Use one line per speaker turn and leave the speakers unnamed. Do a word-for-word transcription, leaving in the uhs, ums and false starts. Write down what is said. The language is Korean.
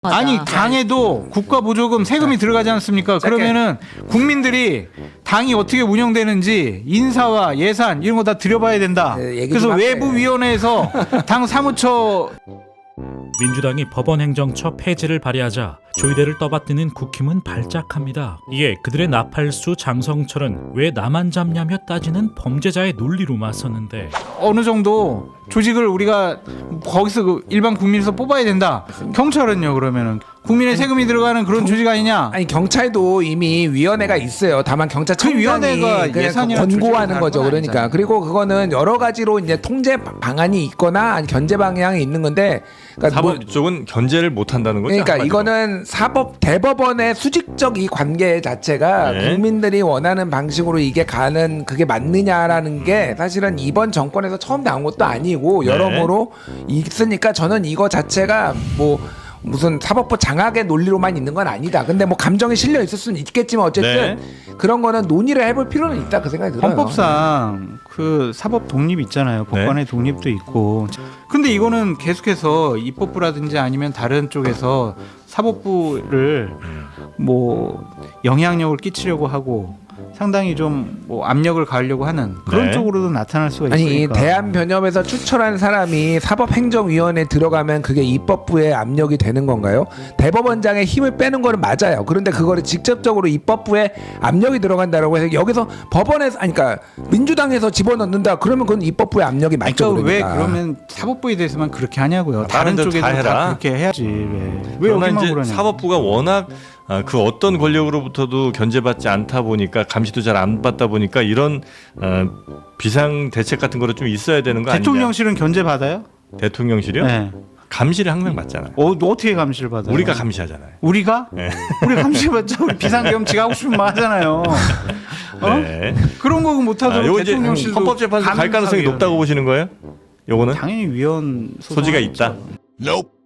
맞아.
아니 당에도 국가보조금 세금이 들어가지 않습니까? 그러면은 국민들이 당이 어떻게 운영되는지 인사와 예산 이런 거 다 들여봐야 된다.
네, 얘기
그래서
좀 할게요.
외부위원회에서 당 사무처
민주당이 법원행정처 폐지를 발의하자 조이대를 떠받드는 국힘은 발작합니다. 이에 그들의 나팔수 장성철은 왜 나만 잡냐며 따지는 범죄자의 논리로 맞섰는데
어느 정도 조직을 우리가 거기서 그 일반 국민에서 뽑아야 된다. 경찰은요 그러면은 국민의 세금이 들어가는 그런 조직 아니냐?
아니 경찰도 이미 위원회가 있어요. 다만 경찰청장이
위원회가
그냥
예산이랑
권고하는
조직을
거죠.
다른 건
그러니까
아니잖아요.
그리고 그거는 여러 가지로 이제 통제 방안이 있거나 아니 견제 방향이 있는 건데 그러니까 뭐-
사법 쪽은 견제를 못 한다는 거죠.
그러니까
한마디로.
이거는 사법 대법원의 수직적 이 관계 자체가
네.
국민들이 원하는 방식으로 이게 가는 그게 맞느냐라는 게 사실은 이번 정권에서 처음 나온 것도 아니고
네.
여러모로 있으니까 저는 이거 자체가 뭐 무슨 사법부 장악의 논리로만 있는 건 아니다. 근데 뭐 감정이 실려 있을 수는 있겠지만 어쨌든 그런 거는 논의를 해볼 필요는 있다 그 생각이 들어요.
헌법상 그 사법 독립 있잖아요. 법관의
네.
독립도 있고. 근데 이거는 계속해서 입법부라든지 아니면 다른 쪽에서 사법부를 뭐 영향력을 끼치려고 하고 상당히 좀 뭐 압력을 가하려고 하는 그런
네.
쪽으로도 나타날 수가
아니
있으니까.
대한변협에서 추천한 사람이 사법행정위원회에 들어가면 그게 입법부의 압력이 되는 건가요? 대법원장의 힘을 빼는 거는 맞아요. 그런데 그거를 직접적으로 입법부에 압력이 들어간다라고 해서 여기서 법원에서 아니 그러니까 민주당에서 집어넣는다 그러면 그건 입법부의 압력이 맞죠.
그러니까 왜
그러니까.
그러면 사법부에 대해서만 그렇게 하냐고요.
아,
다른
다른 데도
쪽에도
다
다,
해라.
그렇게 해야지. 왜, 왜
그러나
여기만
이제
그러냐.
사법부가 워낙 아, 그 어떤 권력으로부터도 견제받지 않다 보니까 감시도 잘 안 받다 보니까 이런 어, 비상 대책 같은 거로 좀 있어야 되는 거 아니냐?
대통령실은 견제 받아요?
대통령실이요?
네.
감시를 항상 받잖아요.
어, 어떻게 감시를 받아요?
우리가 감시하잖아요.
우리가?
네.
우리 감시받자. 우리 비상계엄 지가 하고 싶으면 막 하잖아요. 어?
네.
그런 거
아,
못하도록
요거 이제
대통령실도
헌법재판소 갈 가능성이
감사위원회.
높다고 보시는 거예요? 요거는
당연히 위헌
소지가 있다.
소송하겠죠.